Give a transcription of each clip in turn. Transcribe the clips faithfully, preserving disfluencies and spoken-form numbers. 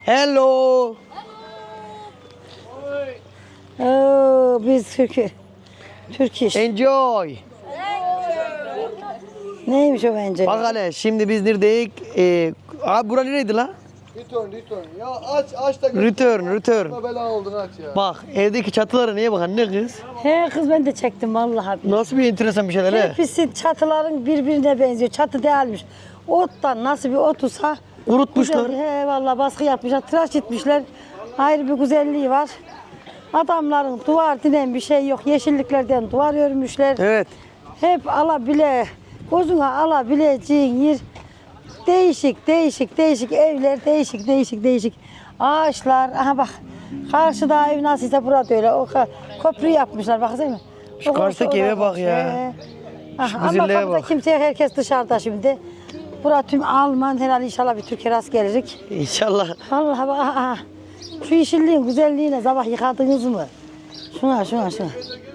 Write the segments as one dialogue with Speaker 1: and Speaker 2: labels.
Speaker 1: Hello.
Speaker 2: Oo, biz Türk Türk iş.
Speaker 1: Enjoy.
Speaker 2: Neymiş o bence?
Speaker 1: Bak hele şimdi biz neredeyiz? Ee, abi bura nereydi lan?
Speaker 3: Return, return. Ya aç, aç da gör.
Speaker 1: Return, return.
Speaker 3: Bela oldun aç ya.
Speaker 1: Bak evdeki çatılara niye bak anne kız?
Speaker 2: He kız ben de çektim vallahi.
Speaker 1: Nasıl bir enteresan bir şeyler he?
Speaker 2: Hepsi çatıların birbirine benziyor. Çatı değilmiş. Ottan nasıl bir otusa
Speaker 1: Kurutmuşlar.
Speaker 2: güzel, he vallahi baskı yapmışlar, tıraş etmişler. Ayrı bir güzelliği var. Adamların duvar dinen bir şey yok. Yeşilliklerden duvar örmüşler.
Speaker 1: Evet.
Speaker 2: Hep alabile, gözüne alabileceğin yer. Değişik, değişik, değişik evler, değişik, değişik, değişik ağaçlar. Aha bak, karşıda ev nasılsa burada öyle. O ka- köprü yapmışlar, baksana.
Speaker 1: Şu
Speaker 2: O
Speaker 1: karşıdaki
Speaker 2: orada
Speaker 1: eve bak ya.
Speaker 2: he. Ah,
Speaker 1: Şu
Speaker 2: ama
Speaker 1: güzelliğe
Speaker 2: kapıda
Speaker 1: bak.
Speaker 2: kimse, herkes dışarıda şimdi. Burası tüm Alman, herhalde inşallah bir Türkiye rast gelecek.
Speaker 1: İnşallah.
Speaker 2: Vallahi bak, aha, aha. Şu yeşilliğin güzelliğine sabah yıkadınız mı? Şuna, şuna, şuna.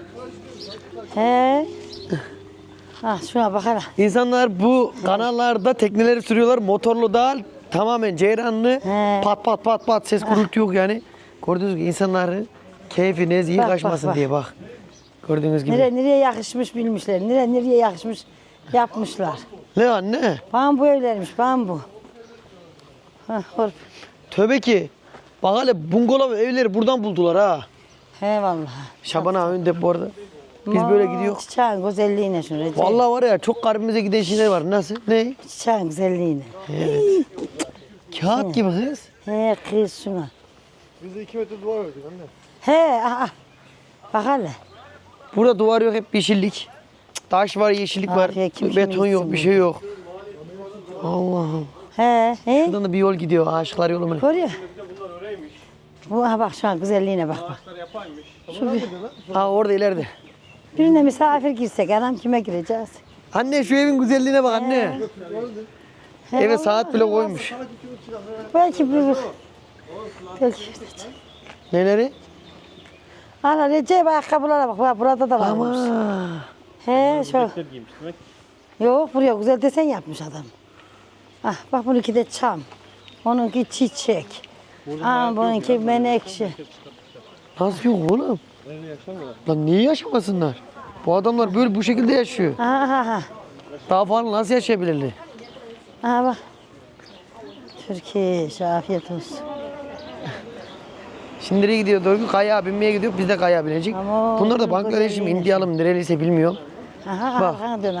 Speaker 2: He. Ah, şuna bak hele.
Speaker 1: İnsanlar bu kanallarda tekneleri sürüyorlar. Motorlu değil. Tamamen ceyranlı.
Speaker 2: He.
Speaker 1: Pat pat pat pat ses gürültü yok yani. Gördüğünüz gibi insanların keyfi nezih
Speaker 2: Bak, bak,
Speaker 1: kaçmasın
Speaker 2: bak.
Speaker 1: diye bak. Gördüğünüz gibi.
Speaker 2: Nereye, nereye yakışmış bilmişler. Nereye, nereye yakışmış yapmışlar.
Speaker 1: Ne anne?
Speaker 2: Bambu evlermiş, bambu. Hah, hor.
Speaker 1: Tövbe ki. Bak hele bungalov evleri buradan buldular ha.
Speaker 2: He vallahi.
Speaker 1: Şaban ağa önde bu arada. Biz böyle gidiyoruz.
Speaker 2: Çiçeğin güzelliğine şunu Recep.
Speaker 1: Vallahi var ya çok kalbimize giden şeyler var. Nasıl? Ne?
Speaker 2: Çiçeğin güzelliğine.
Speaker 1: Evet. Kağıt gibi kız.
Speaker 2: He kız şuna.
Speaker 3: Bize iki metre duvar ördük anne.
Speaker 2: He aha. Bak hele.
Speaker 1: Burada duvar yok, hep yeşillik. Taş var, yeşillik var.
Speaker 2: Afiye, kim
Speaker 1: Beton
Speaker 2: kimi
Speaker 1: yok,
Speaker 2: gitsin
Speaker 1: bir şey yok. Allah'ım.
Speaker 2: He he.
Speaker 1: Şuradan da bir yol gidiyor, aşıklar yolu mu?
Speaker 2: Görüyor. Bu aha bak şu an güzelliğine bak bak. Şu bir,
Speaker 1: Ha orada ileride.
Speaker 2: birine misafir girsek anam kime gireceğiz?
Speaker 1: Anne şu evin güzelliğine bak anne.
Speaker 2: He,
Speaker 1: Eve
Speaker 2: vallahi.
Speaker 1: saat bile koymuş.
Speaker 2: Belki bir belki
Speaker 1: Neleri?
Speaker 2: ana Recep ayakkabılara bak, bak burada da varmış.
Speaker 1: Ama.
Speaker 2: He şu. Yok buraya güzel desen yapmış adam. Ah bak bununki de çam. Onunki çiçek. Aa bununki menekşe.
Speaker 1: Nasıl yok oğlum? Lan niye yaşamasınlar? Bu adamlar böyle bu şekilde yaşıyor.
Speaker 2: Aha aha.
Speaker 1: Daha falan nasıl yaşayabilirler?
Speaker 2: Aha bak. Türkiye afiyet olsun.
Speaker 1: Şimdi nereye gidiyor? Doğru kaya binmeye gidiyor. Biz de kaya binecek.
Speaker 2: Ama
Speaker 1: Bunlar da
Speaker 2: o
Speaker 1: Bangladeş'im,
Speaker 2: güzelliğine.
Speaker 1: Indiyalım, nereliyse bilmiyorum.
Speaker 2: Aha
Speaker 1: Bak.
Speaker 2: arkana dön ha.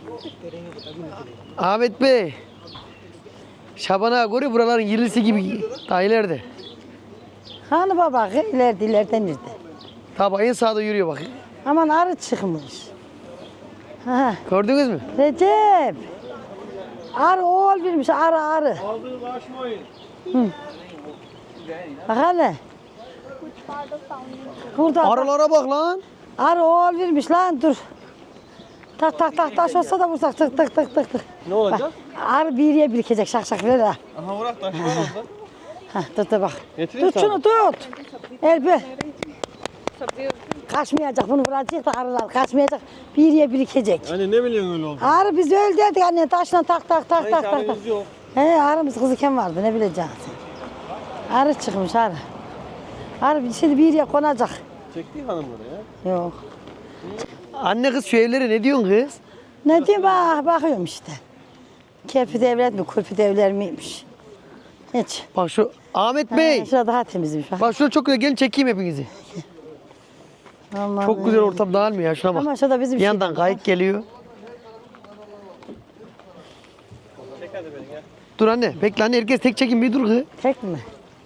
Speaker 1: Ahmet Bey. Şaban ağa görüyor buraların yerlisi gibi daha ileride.
Speaker 2: Hani baba ileride ileride nerede?
Speaker 1: Tabi en sağda yürüyor bak.
Speaker 2: Aman arı çıkmış. Ha,
Speaker 1: Gördünüz mü?
Speaker 2: Recep. Arı oğul vermiş arı arı.
Speaker 3: Aldığınız aşmayın.
Speaker 2: Bak hele. Burada bak,
Speaker 1: Arılara bak lan.
Speaker 2: arı oğul vermiş lan dur. Tak tak tak taş olsa da vursak tık tık tık tık tık.
Speaker 3: Ne olacak?
Speaker 2: Bak, arı bir yere birikecek şak şak ver ha.
Speaker 3: Aha bırak taş var orada.
Speaker 2: Ha dur dur bak.
Speaker 3: Getireyim
Speaker 2: Tut
Speaker 3: sana.
Speaker 2: şunu tut. Elbe. Kaçmayacak bunu vuracak da arılar kaçmayacak. Bir yere birikecek.
Speaker 3: Anne ne biliyorsun öyle oldu?
Speaker 2: Arı biz öyle dedik anne taşla tak tak tak tak tak. tak.
Speaker 3: Haberiniz yok.
Speaker 2: He arımız kızıken vardı ne bileceksin. Arı çıkmış arı. Arı şimdi bir yere konacak.
Speaker 3: Çekti hanım oraya.
Speaker 2: Yok.
Speaker 1: Anne kız şu evlere ne diyorsun kız?
Speaker 2: Ne diyeyim bak bakıyorum işte. Kepi devlet mi kurpi devler miymiş? Hiç.
Speaker 1: Bak şu Ahmet Bey.
Speaker 2: Ha, şurada daha temizmiş bak.
Speaker 1: Bak şurada çok güzel. Gelin çekeyim hepinizi.
Speaker 2: Aman
Speaker 1: Çok güzel ortam dağılmıyor ya. Şuna bak.
Speaker 2: Ama şurada bizim
Speaker 1: Bir yandan
Speaker 2: şey-
Speaker 1: kayık geliyor.
Speaker 3: Çek hadi beni gel.
Speaker 1: Dur anne. Bekle anne. Herkes tek çekin bir dur kız.
Speaker 2: Tek mi?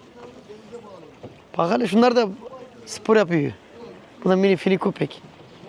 Speaker 1: Bak hele şunlar da spor yapıyor. Bu da mini fini köpek.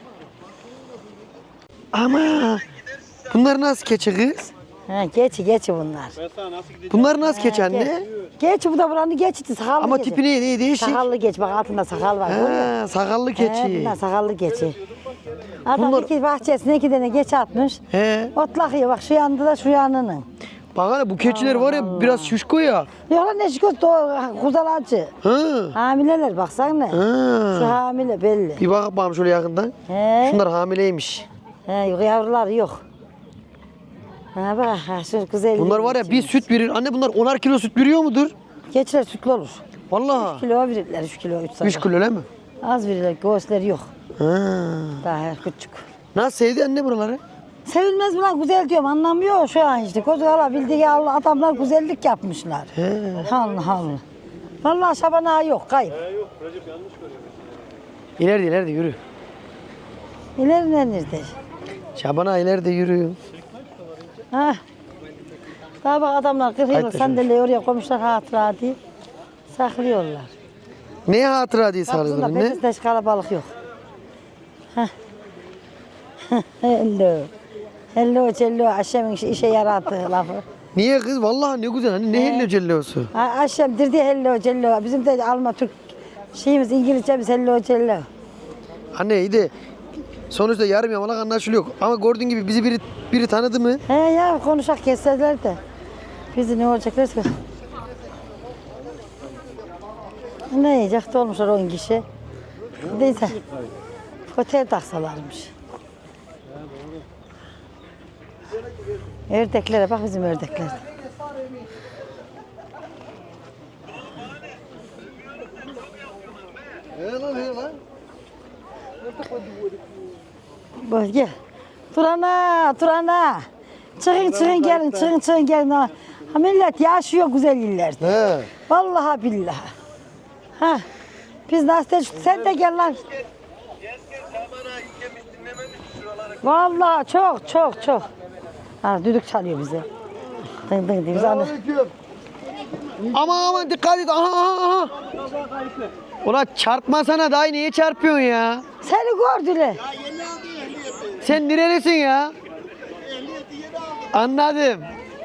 Speaker 1: Ama bunlar nasıl keçi kız?
Speaker 2: Ha, geçi geçi bunlar.
Speaker 3: Ben sana nasıl gideceğim?
Speaker 1: Bunlar nasıl keçi
Speaker 2: Ha,
Speaker 1: anne?
Speaker 2: geç. Geç bu da buranın geçti sakallı
Speaker 1: Ama
Speaker 2: geçi.
Speaker 1: tipi ne, ne değişik.
Speaker 2: Sakallı geç bak altında sakal var. görüyor musun?
Speaker 1: Ha, sakallı
Speaker 2: He,
Speaker 1: keçi.
Speaker 2: bunlar sakallı geçi. Adam
Speaker 1: Bunlar-
Speaker 2: iki bahçesine iki tane geç atmış.
Speaker 1: He.
Speaker 2: Otlakıyor bak şu yanında da şu yanının.
Speaker 1: Bak hele bu keçiler var ya biraz şuşko ya.
Speaker 2: Yok lan ne şükür kuzalacı.
Speaker 1: Ha.
Speaker 2: Hamileler baksana. Şu
Speaker 1: Ha.
Speaker 2: hamile belli.
Speaker 1: Bir bak bakalım şöyle yakından.
Speaker 2: He.
Speaker 1: Şunlar hamileymiş.
Speaker 2: He, yok yavrular yok. Ha bak ha, şu güzel.
Speaker 1: Bunlar var ya bir süt verir. Anne bunlar onar kilo süt veriyor mudur?
Speaker 2: Geçiler sütlü olur.
Speaker 1: Vallahi.
Speaker 2: Kilo verirler, üç kilo, üç
Speaker 1: üç kilo öyle mi?
Speaker 2: Az verirler, göğüsleri yok.
Speaker 1: Ha.
Speaker 2: Daha küçük.
Speaker 1: Nasıl sevdi anne buraları?
Speaker 2: Sevilmez mi lan güzel diyorum anlamıyor şu an işte. Kozu alabildiği Allah adamlar güzellik yapmışlar.
Speaker 1: He.
Speaker 2: Allah Allah. Vallahi Şaban ağa yok kayıp.
Speaker 3: He yok Recep yanlış görüyor.
Speaker 1: İleride ileride yürü.
Speaker 2: İlerine nerede?
Speaker 1: Şaban'a ileride yürü.
Speaker 2: Ha. Daha bak adamlar kırk yıllık
Speaker 1: Haydi
Speaker 2: sandalyeyi oraya koymuşlar hatıra diye. Saklıyorlar.
Speaker 1: Ne hatıra diye
Speaker 2: Kapısında
Speaker 1: sarılır ne?
Speaker 2: pekizde hiç kalabalık yok. Heh. Hello. Hello cello Aşem'in işe- işe yaradığı lafı.
Speaker 1: Niye kız? Vallahi ne güzel. Hani ne hello cellosu.
Speaker 2: Ha, Aşem dirdi hello cello. Bizim de Alman Türk şeyimiz İngilizcemiz hello cello.
Speaker 1: Anne iyi de sonuçta yarım yamalak anlaşılıyor. Ama gördüğün gibi bizi biri biri tanıdı mı?
Speaker 2: He ya konuşak kesseler de. Bizi ne olacaklar ki? Ne yiyecek olmuşlar on kişi. Neyse. Otel taksalarmış. Ördeklere bak bizim ördekler.
Speaker 1: He lan he lan.
Speaker 2: Bak gel. Turana, Turana. Çıkın çıkın gelin, çıkın çıkın gelin. Ha millet yaşıyor güzel illerde.
Speaker 1: He.
Speaker 2: Vallahi billahi. Ha. Biz nasıl sen de gel lan. Vallahi çok çok çok. Ha düdük çalıyor bize. Dın dın dın. Biz anı-
Speaker 1: Aman aman dikkat et. Aha aha aha. Ulan çarpmasana dayı niye çarpıyorsun ya?
Speaker 2: Seni gördüler.
Speaker 1: Sen nerelisin ya? Anladım.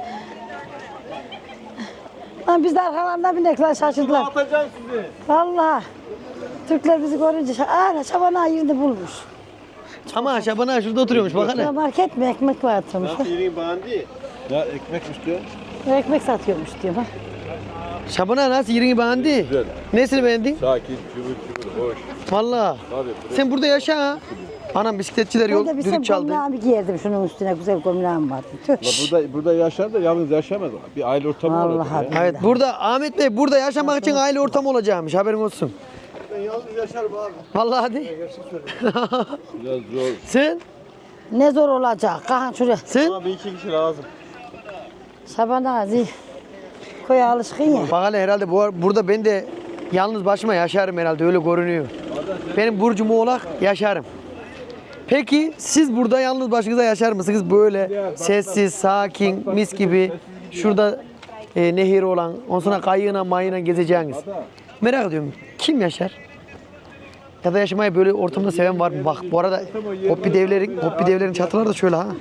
Speaker 2: Lan biz de arkalarından binek lan şaşırdılar.
Speaker 3: Atacağım sizi.
Speaker 2: Vallahi. Türkler bizi görünce şa- aa Şaban yerini bulmuş.
Speaker 1: Ama Şaban şurada oturuyormuş bak hele.
Speaker 2: Ya market mi ekmek var atılmış.
Speaker 3: Nasıl yerin bandi? Ya ekmek istiyor.
Speaker 2: Ekmek satıyormuş diyor bak.
Speaker 1: Şaban nasıl yerini beğendi?
Speaker 3: Güzel.
Speaker 1: Nesini beğendin?
Speaker 3: Sakin, cıvıl cıvıl, hoş.
Speaker 1: Vallahi.
Speaker 3: Tabii.
Speaker 1: Sen burada yaşa ha. Anam bisikletçiler
Speaker 2: Ben
Speaker 1: yol
Speaker 2: de bir sen
Speaker 1: düdük çaldı.
Speaker 2: gömleğimi giyerdim şunun üstüne güzel gömleğim vardı. Tüh.
Speaker 3: La burada burada yaşar da yalnız yaşamaz. Bir aile ortamı
Speaker 2: Vallahi
Speaker 3: olacak. ya.
Speaker 2: billahi.
Speaker 1: Evet burada Ahmet Bey burada yaşamak için aile ortamı olacakmış haberin olsun.
Speaker 3: Ben yalnız yaşarım abi.
Speaker 1: Vallahi hadi.
Speaker 3: Biraz zor.
Speaker 1: Sen?
Speaker 2: Ne zor olacak. Kalkın şuraya.
Speaker 1: Sen?
Speaker 3: Ama bir iki kişi lazım.
Speaker 2: Şaban ağzı. Koya alışkın ya.
Speaker 1: Bak hele herhalde bu, burada ben de yalnız başıma yaşarım herhalde öyle görünüyor. Benim burcum oğlak yaşarım. Peki siz burada yalnız başınıza yaşar mısınız böyle sessiz, sakin, mis gibi şurada e, nehir olan, ondan sonra kayığına mayına gezeceğiniz. Merak ediyorum kim yaşar? Ya da yaşamayı böyle ortamda seven var mı? Bak bu arada Hoppi devlerin, Hoppi devlerin çatıları da şöyle ha.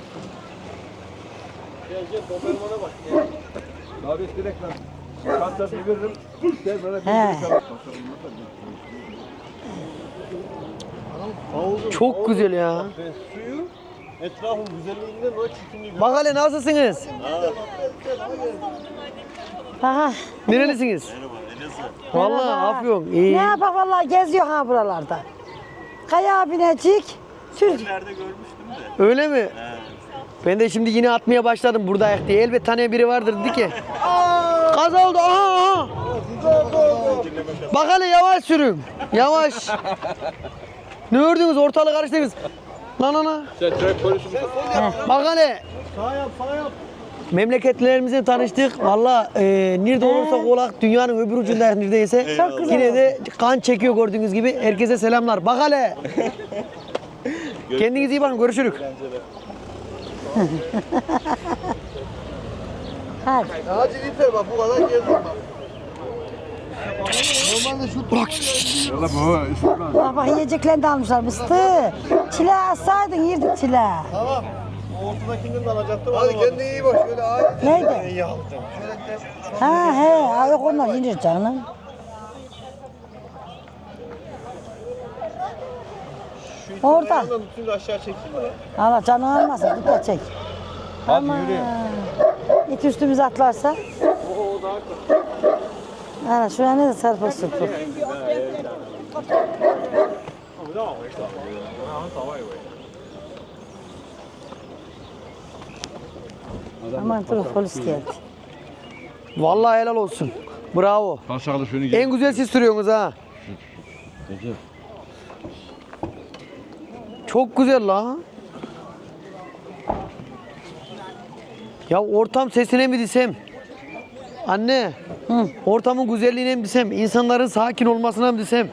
Speaker 3: Gel gel dobermana bak. Gel. Abi direkt lan. Kartlasını veririm. Gel bana bir
Speaker 2: He.
Speaker 3: Havuzun,
Speaker 1: Çok
Speaker 3: havuzun
Speaker 1: güzel ya.
Speaker 3: ve suyu etrafın güzelliğinden o çirkinliği.
Speaker 1: Bak hele nasılsınız?
Speaker 2: Aha.
Speaker 1: Nerelisiniz? Vallahi
Speaker 2: Merhaba.
Speaker 1: Afyon.
Speaker 2: Ne
Speaker 1: İyi.
Speaker 2: yapak vallahi geziyor ha buralarda. Kaya binecek. Sür.
Speaker 1: Öyle mi? Ben de şimdi yine atmaya başladım burada ayak diye. Elbet tanıyan biri vardır dedi ki. Kaza oldu. Aha, aha. Bak hele yavaş sürün. Yavaş. Ne ördünüz? Ortalığı karıştırdınız. Lan ana.
Speaker 3: Sen trafik polisi misin?
Speaker 1: Bak hele.
Speaker 3: Sağ yap sağ yap.
Speaker 1: Memleketlerimizle tanıştık. Valla e, nerede olursak olak dünyanın öbür ucunda neredeyse.
Speaker 2: Çok güzel
Speaker 1: Yine de kan çekiyor gördüğünüz gibi. Herkese selamlar. Bak hele. Kendinize iyi bakın. Görüşürüz.
Speaker 2: Hadi.
Speaker 3: Hacı Lifer bak bu kadar gezdim bak. Normalde şu
Speaker 1: Bırak.
Speaker 3: Valla bu İsmail.
Speaker 2: Bak bak yiyeceklerini de almışlar mıstı. Çile alsaydın yerdik çile.
Speaker 3: Tamam. O ortadakinden de alacaktım. Hadi kendine iyi bak şöyle ayet.
Speaker 2: Neydi?
Speaker 3: İyi aldım.
Speaker 2: Ha he, ha, yok onlar yenir canım. Orada.
Speaker 3: Ayağından tutun da aşağı çeksin mi?
Speaker 2: Allah canı almasın, tut da çek.
Speaker 3: Hadi yürü.
Speaker 2: İt üstümüze atlarsa. Ana şuraya ne de sarpa sürpük. Aman dur polis geldi.
Speaker 1: Vallahi helal olsun. Bravo.
Speaker 3: Paşalı şunu
Speaker 1: En güzel siz sürüyorsunuz ha.
Speaker 3: Recep.
Speaker 1: Çok güzel la. Ya ortam sesine mi desem? Anne.
Speaker 2: Hı.
Speaker 1: Ortamın güzelliğine mi desem? İnsanların sakin olmasına mı desem?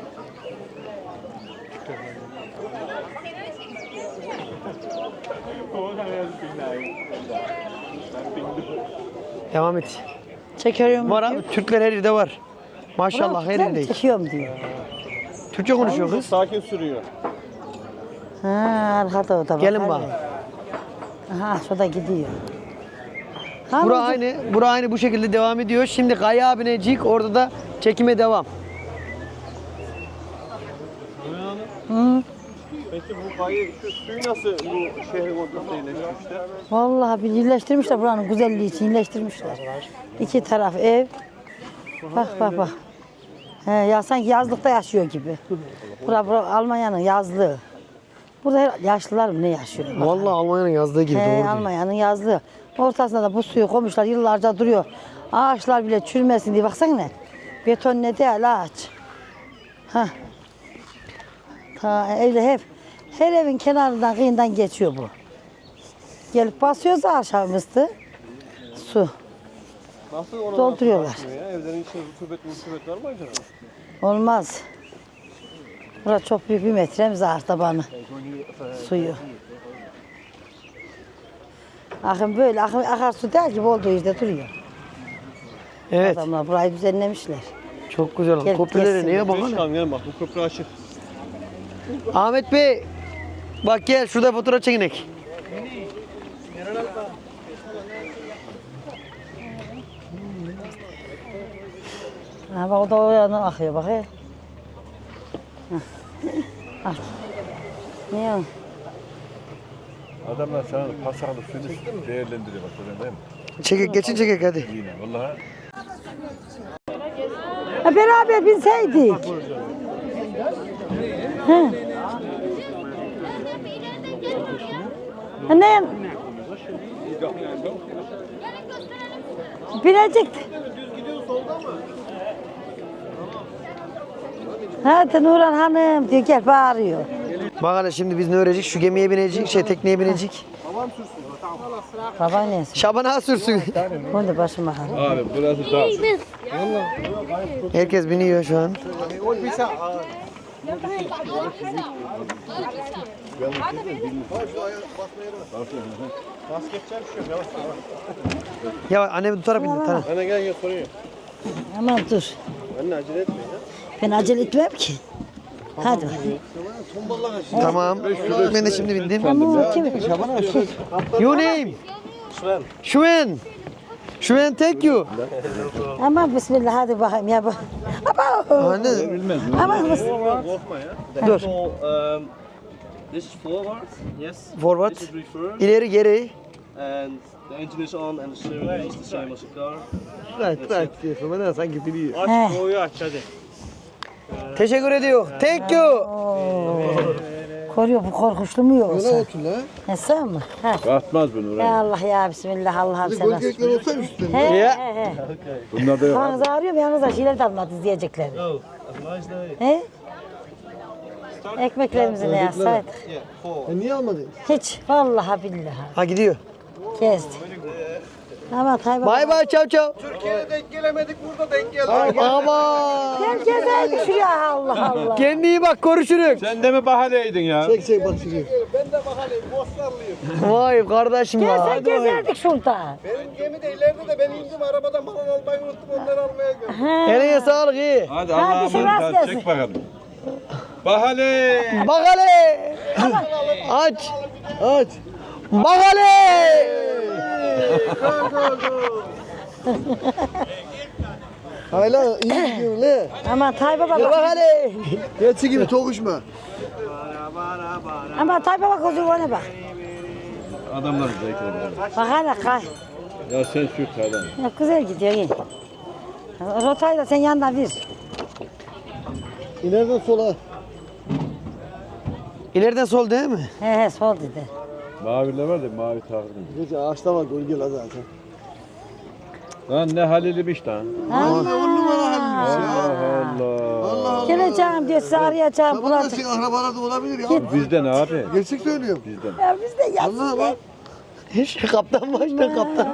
Speaker 1: Devam et.
Speaker 2: Çekiyorum.
Speaker 1: Var abi, Türkler her yerde var. Maşallah her yerde.
Speaker 2: Çekiyorum diyor.
Speaker 1: Türkçe konuşuyor kız.
Speaker 3: Sakin sürüyor.
Speaker 2: Ha, arkada o da bak.
Speaker 1: Gelin
Speaker 2: hadi.
Speaker 1: bak.
Speaker 2: Aha şurada gidiyor.
Speaker 1: Bura
Speaker 2: Hanım,
Speaker 1: aynı, bura aynı bu şekilde devam ediyor. Şimdi Kaya binecek, orada da çekime devam.
Speaker 2: Hı.
Speaker 3: Peki bu kayı, şu suyu nasıl bu şehrin ortasına iyileştirmişler?
Speaker 2: Vallahi bir iyileştirmişler buranın güzelliği için iyileştirmişler. İki taraf ev. Bak bak bak. He, ya sanki yazlıkta yaşıyor gibi. Bura, bura Almanya'nın yazlığı. Burada her- yaşlılar mı ne yaşıyor? Bak.
Speaker 1: Vallahi Almanya'nın yazdığı gibi
Speaker 2: He,
Speaker 1: doğru diyor.
Speaker 2: Almanya'nın yazlığı. Ortasında da bu suyu koymuşlar yıllarca duruyor. Ağaçlar bile çürümesin diye baksana ne. Beton ne değil ağaç. Hah. Ta evde hep her evin kenarından kıyından geçiyor bu. Gelip basıyoruz aşağımızda. Su.
Speaker 3: Nasıl ona
Speaker 2: Dolduruyorlar.
Speaker 3: nasıl ya? Evlerin içinde rutubet rutubet var mı acaba?
Speaker 2: Olmaz. Burası çok büyük bir metremiz ağır tabanı. Suyu. Akın böyle akın, akarsu değil gibi olduğu yerde duruyor.
Speaker 1: Evet,
Speaker 2: Adamlar burayı düzenlemişler.
Speaker 1: çok güzel oldu.
Speaker 2: Gelip
Speaker 1: Köprülere
Speaker 2: geçsinler.
Speaker 1: niye bakın?
Speaker 3: Çıkalım gel bak bu köprü açık.
Speaker 1: Ahmet Bey, bak gel şurada fotoğraf çekinek.
Speaker 2: Ha bak o da o yana akıyor bak he. Hah. Al. Niye o?
Speaker 3: Adamlar sana paşalı suyunu değerlendiriyor bak görüyorsun değil mi?
Speaker 1: Çekek, geçin çekek hadi.
Speaker 3: Yine vallahi.
Speaker 2: Ha, beraber binseydik. He. Ha, ne? Binecekti. Hadi Nurhan Hanım diyor gel bağırıyor.
Speaker 1: Bak hele şimdi biz ne öğrenecek? Şu gemiye binecek, şey tekneye binecek.
Speaker 2: Baba neyse.
Speaker 1: Şaban ağa sürsün.
Speaker 2: Bunu da başıma al.
Speaker 3: Abi burası da.
Speaker 1: Herkes biniyor şu an. Ya annemi tutarak bindi tamam.
Speaker 3: Anne gel gel soruyor.
Speaker 2: Aman dur.
Speaker 3: Anne acele etme ya.
Speaker 2: Ben acele etmem ki. Hadi.
Speaker 1: Tamam. Ben de şimdi bindim.
Speaker 2: Tamam kim?
Speaker 1: Your name? Şuven. Şuven thank you.
Speaker 2: Aman bismillah hadi bakayım ya bak. Aba.
Speaker 1: Anne
Speaker 2: Aman bis.
Speaker 1: dur.
Speaker 4: So, um, this is forward, yes.
Speaker 1: Forward.
Speaker 4: This is reverse,
Speaker 1: İleri geri.
Speaker 4: and the engine is on, and the steering wheel is the same as a car.
Speaker 1: Right, right diyorsun. Bana sanki biliyor.
Speaker 2: He.
Speaker 4: Doğuyu aç hadi.
Speaker 1: Teşekkür ediyor. Thank you.
Speaker 2: Koruyor bu korkuşlu mu yoksa?
Speaker 1: otur la.
Speaker 2: He sen mi? Ha.
Speaker 3: Batmaz bunu
Speaker 2: Ya
Speaker 3: oraya.
Speaker 2: Allah ya bismillah Allah'ım sen nasıl?
Speaker 1: olsa üstüne.
Speaker 2: He
Speaker 1: Ya.
Speaker 2: he he.
Speaker 3: Bunlar da yok.
Speaker 2: Kafanızı ağrıyor mu yalnız da şeyler de almadınız diyecekler.
Speaker 4: Oh, have a nice day.
Speaker 2: He? Ekmeklerimizi ne yazsaydık?
Speaker 4: Yeah, four.
Speaker 1: Niye almadın?
Speaker 2: Hiç. Vallahi billahi.
Speaker 1: Ha gidiyor.
Speaker 2: Gezdi. Ama Tayyip
Speaker 1: Bay bay çav çav.
Speaker 3: Türkiye'ye denk gelemedik burada denk geldik.
Speaker 1: Ama.
Speaker 2: Gel gezeydik şuraya Allah Allah.
Speaker 1: Kendine iyi bak görüşürüz.
Speaker 3: Sen de mi bahaneydin ya?
Speaker 1: Çek çek bak çek.
Speaker 3: Ben de bahaneyim Bostarlıyım.
Speaker 1: Vay kardeşim
Speaker 2: Gel
Speaker 1: ya.
Speaker 2: sen gezerdik şurada.
Speaker 3: Benim gemi de ileride de ben indim arabadan balon almayı unuttum onları almaya geldim.
Speaker 2: He.
Speaker 1: Eline sağlık iyi.
Speaker 3: Hadi
Speaker 2: Hadi
Speaker 3: Allah'a
Speaker 2: şurası
Speaker 3: emanet
Speaker 2: gelsin.
Speaker 3: çek bakalım. Bahane.
Speaker 1: Bak hele. Aç. Aç. Bak hele. Hala iyi gidiyor ne?
Speaker 2: Ama Tayyip baba
Speaker 1: Bak
Speaker 2: bak.
Speaker 1: hele. Geçi gibi tokuşma.
Speaker 2: Ama Tayyip baba kızı ona bak.
Speaker 3: Adamlar zevkle.
Speaker 2: Bak hala kay.
Speaker 3: Ya sen sür sağdan.
Speaker 2: Ya güzel gidiyor iyi. Rotayı da sen yandan ver.
Speaker 1: İleriden sola. İleriden sol değil mi?
Speaker 2: He he sol dedi.
Speaker 3: Maviler var da mavi takdim.
Speaker 1: Gece ağaçta var gölge la zaten.
Speaker 3: Lan ne halilmiş lan.
Speaker 2: Ha?
Speaker 5: On numara halimiz ya.
Speaker 3: Allah Allah.
Speaker 2: Geleceğim diye sizi arayacağım.
Speaker 5: Tamam da
Speaker 2: bulacağım.
Speaker 5: senin akrabalarda olabilir ya.
Speaker 3: Bizden abi.
Speaker 5: Gerçek söylüyorum.
Speaker 3: Bizden.
Speaker 2: Ya biz de
Speaker 5: Vallahi
Speaker 2: yazsın.
Speaker 5: bak.
Speaker 1: Şey, kaptan başta kaptan.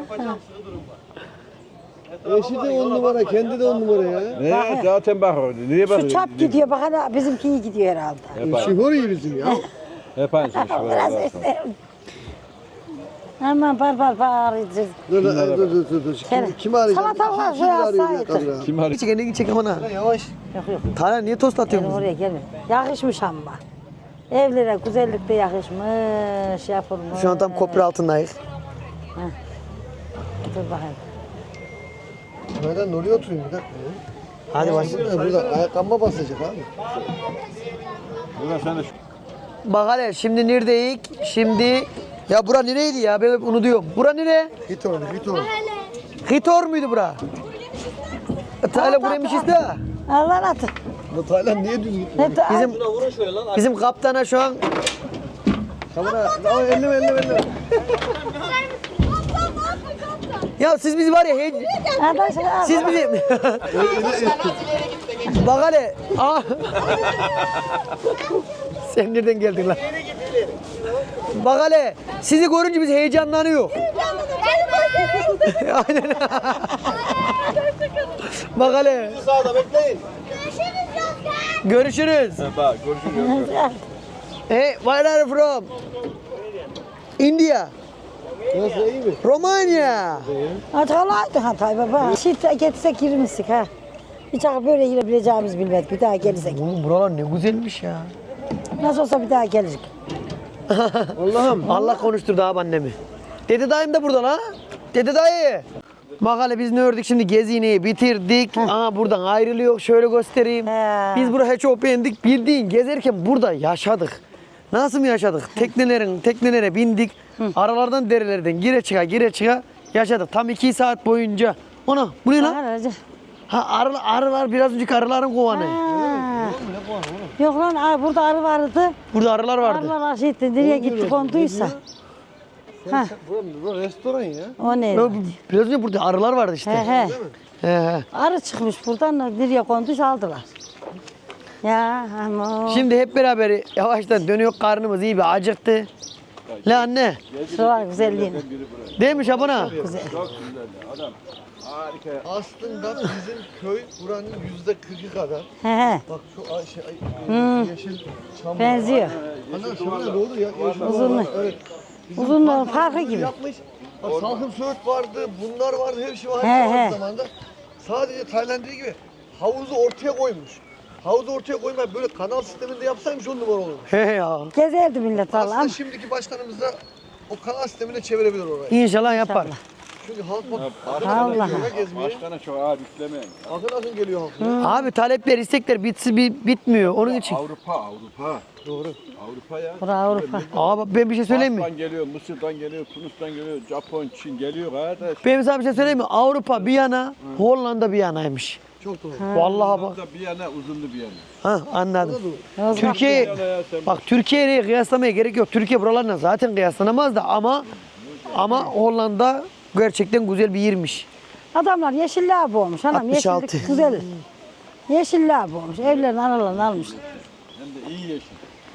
Speaker 5: Eşi de on numara, kendi de on numara ya.
Speaker 3: Ne zaten bak orada. Niye
Speaker 2: Şu
Speaker 3: bakıyorsun?
Speaker 2: çap gidiyor bak hala bizimki iyi gidiyor herhalde.
Speaker 3: Hep aynı.
Speaker 5: Şoför iyi bizim ya.
Speaker 3: Hep aynı şey. Şöyle
Speaker 2: Aman bar bar bağıracağız.
Speaker 5: Dur dur dur dur dur. dur.
Speaker 2: Gel.
Speaker 5: Kim, kimi arayacağım?
Speaker 2: Salata var,
Speaker 5: Şimdi
Speaker 2: şuraya
Speaker 5: arıyor ya,
Speaker 2: saydı.
Speaker 5: tabii ya.
Speaker 3: Kim arıyor?
Speaker 1: Çek elini çek aman ha.
Speaker 5: Yavaş.
Speaker 2: Yok yok.
Speaker 1: Tala niye tost
Speaker 2: Gelin
Speaker 1: atıyorsun?
Speaker 2: oraya gelin. Yakışmış ama. Evlere güzellikte yakışmış, yapılmış.
Speaker 1: Şu an tam köprü altındayız.
Speaker 2: Dur bakayım.
Speaker 5: Nereden oraya oturayım bir dakika ya.
Speaker 1: Hadi başla.
Speaker 5: Burada, burada ayakkabıma basacak abi.
Speaker 3: Buna sen de şu.
Speaker 1: Bak hele şimdi neredeyiz? Şimdi ya bura nereydi ya? Ben hep unutuyorum. Bura nere?
Speaker 5: Git orada, git orada.
Speaker 1: Hitor muydu bura? Tala buraymış işte.
Speaker 2: Allah atı.
Speaker 5: Bu Tayland niye düz gitmiyor?
Speaker 2: Ne ta-
Speaker 1: Bizim bizim kaptana şu an
Speaker 5: Kamera, ama elleme elleme elleme.
Speaker 1: ya siz bizi var ya hey,
Speaker 2: Arkadaşlar,
Speaker 1: siz bizi bak hele. Aa. Sen nereden geldin lan? Bak hele sizi görünce biz heyecanlanıyor. Aynen. Bak hele.
Speaker 5: Sağda bekleyin.
Speaker 1: Görüşürüz.
Speaker 3: Bak görüşürüz.
Speaker 1: Hey, where are you from? India.
Speaker 5: Nasıl iyi mi?
Speaker 1: Romanya.
Speaker 2: Acıkalaydı Hatay baba. Şit getirsek girmişsik ha. Hiç böyle girebileceğimizi bilmedik. Bir daha gelirsek.
Speaker 1: Oğlum buralar ne güzelmiş ya.
Speaker 2: Nasıl olsa bir daha geliriz.
Speaker 1: Allah'ım. Allah konuşturdu abi annemi. Dede dayım da burada lan. Dede dayı. Bak hele biz ne ördük şimdi gezineyi bitirdik. Aha buradan ayrılıyor. Şöyle göstereyim.
Speaker 2: He.
Speaker 1: Biz burayı çok beğendik. Bildiğin gezerken burada yaşadık. Nasıl mı yaşadık? Teknelerin teknelere bindik. Aralardan derelerden gire çıka gire çıka yaşadık. Tam iki saat boyunca. Ona bu ne lan?
Speaker 2: Aracı.
Speaker 1: Ha arılar, arılar biraz önceki arıların kovanı.
Speaker 2: Ha. Yok lan aa, burada arı vardı.
Speaker 1: Burada arılar vardı.
Speaker 2: Arılar şey etti. Nereye gitti konduysa. Ha.
Speaker 5: Burası restoran ya.
Speaker 2: O ne?
Speaker 1: Ya, biraz önce burada arılar vardı işte.
Speaker 2: He he.
Speaker 1: He, he.
Speaker 2: Arı çıkmış buradan nereye konduysa aldılar. Ya ama.
Speaker 1: Şimdi hep beraber yavaştan dönüyor, karnımız iyi bir acıktı. La anne,
Speaker 2: Şuralar güzelliğine.
Speaker 1: değil mi Şabana?
Speaker 2: Güzel.
Speaker 3: Çok güzel adam. Harika.
Speaker 5: Aslında bizim köy buranın yüzde kırkı kadar.
Speaker 2: He he.
Speaker 5: Bak şu ay, şey, ay, yeşil çam var.
Speaker 2: Benziyor.
Speaker 5: Ana şöyle doğru ya. Yeşil
Speaker 2: Uzunluğu.
Speaker 5: var. Evet. Bizim
Speaker 2: Uzunluğu
Speaker 5: parkımız
Speaker 2: farkı
Speaker 5: bunu
Speaker 2: gibi.
Speaker 5: Yapmış. Bak salkım söğüt vardı, bunlar vardı, her şey vardı
Speaker 2: He,
Speaker 5: aynı
Speaker 2: he.
Speaker 5: zamanda. Sadece Tayland dediği gibi havuzu ortaya koymuş. Havuzu ortaya koymayıp böyle kanal sisteminde yapsaymış on numara olurmuş.
Speaker 1: He ya.
Speaker 2: Gezerdi millet
Speaker 5: Aslında
Speaker 2: Allah'ım.
Speaker 5: şimdiki başkanımız da o kanal sistemine çevirebilir orayı.
Speaker 1: İnşallah yapar.
Speaker 2: İnşallah.
Speaker 5: Çünkü halk bak
Speaker 2: Allah.
Speaker 5: geliyor ya gezmeye.
Speaker 3: Başkana çok ağır yüklemeyin.
Speaker 5: Akın akın geliyor halk.
Speaker 1: Abi talepler, istekler bitsi bi- bitmiyor onun için.
Speaker 3: Avrupa, Avrupa.
Speaker 5: Doğru.
Speaker 3: Avrupa ya.
Speaker 2: Bura Avrupa.
Speaker 1: Abi ben bir şey söyleyeyim mi?
Speaker 3: Fas'tan geliyor, Mısır'dan geliyor, Tunus'tan geliyor, Japon, Çin geliyor kardeş.
Speaker 1: Ben sana bir şey söyleyeyim mi? Avrupa bir yana, Hollanda bir yanaymış.
Speaker 5: Çok doğru.
Speaker 1: Vallahi bak.
Speaker 3: Burada bir yana, uzunlu bir yana.
Speaker 1: Ha anladım.
Speaker 2: Yozgat
Speaker 1: Türkiye,
Speaker 3: Yana ya sen
Speaker 1: bak Türkiye'ye kıyaslamaya gerek yok. Türkiye buralarla zaten kıyaslanamaz da ama ama Hollanda gerçekten güzel bir yermiş.
Speaker 2: Adamlar yeşilliğe boğmuş. Anam
Speaker 1: altmış altı.
Speaker 2: yeşillik güzel. Yeşilliğe boğmuş. Evlerin aralarını almışlar.
Speaker 3: Hem de iyi yeşil.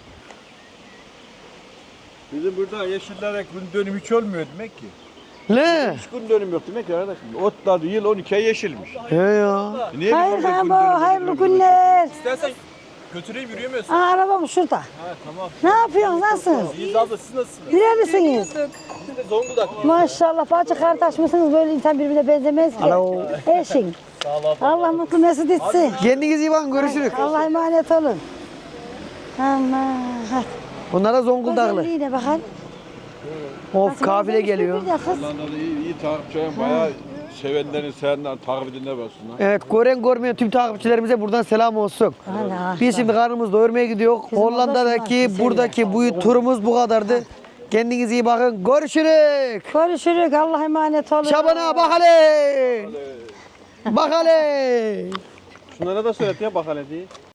Speaker 3: Bizim burada yeşillere gün dönüm hiç olmuyor demek ki.
Speaker 1: Ne?
Speaker 3: Hiç gün dönüm yok demek ki arkadaşım. Otlar yıl on ikiye yeşilmiş.
Speaker 1: He ya.
Speaker 3: E niye
Speaker 2: Hayır
Speaker 3: bizim burada
Speaker 2: ha
Speaker 3: gün
Speaker 2: bu
Speaker 3: dönümü
Speaker 2: hayırlı
Speaker 3: bilmiyoruz?
Speaker 2: günler.
Speaker 6: İstersen götüreyim yürüyemiyorsun.
Speaker 2: Aa, arabam şurada.
Speaker 6: Ha tamam.
Speaker 2: Ne yapıyorsunuz? Nasılsınız?
Speaker 6: İyiyiz abla siz nasılsınız?
Speaker 2: Nerelisiniz?
Speaker 6: Biz de Zonguldak.
Speaker 2: Maşallah bacı kardeş misiniz? Böyle insan birbirine benzemez ki.
Speaker 1: Alo.
Speaker 2: Eşin. Allah mutlu mesut etsin.
Speaker 1: Kendinize iyi bakın, görüşürüz.
Speaker 2: Allah emanet olun. Aman. Hadi.
Speaker 1: Bunlar da Zonguldaklı.
Speaker 2: Güzelliğine bakın.
Speaker 1: Of kafile geliyor.
Speaker 2: Bir de kız.
Speaker 3: Onlardan da iyi, iyi takipçilerim bayağı sevenlerin sevenlerin takip edinler baksınlar.
Speaker 1: Evet, gören görmeyen tüm takipçilerimize buradan selam olsun.
Speaker 2: Allah.
Speaker 1: Biz şimdi karnımızı doyurmaya gidiyor.
Speaker 2: Bizim
Speaker 1: Hollanda'daki
Speaker 2: orada şunlar
Speaker 1: buradaki bu turumuz bu kadardı. Kendinize iyi bakın. Görüşürüz.
Speaker 2: Görüşürüz. Allah emanet olun.
Speaker 1: Şabana bak hele. Bak hele.
Speaker 6: Şunlara da söyle ya bak hele diye.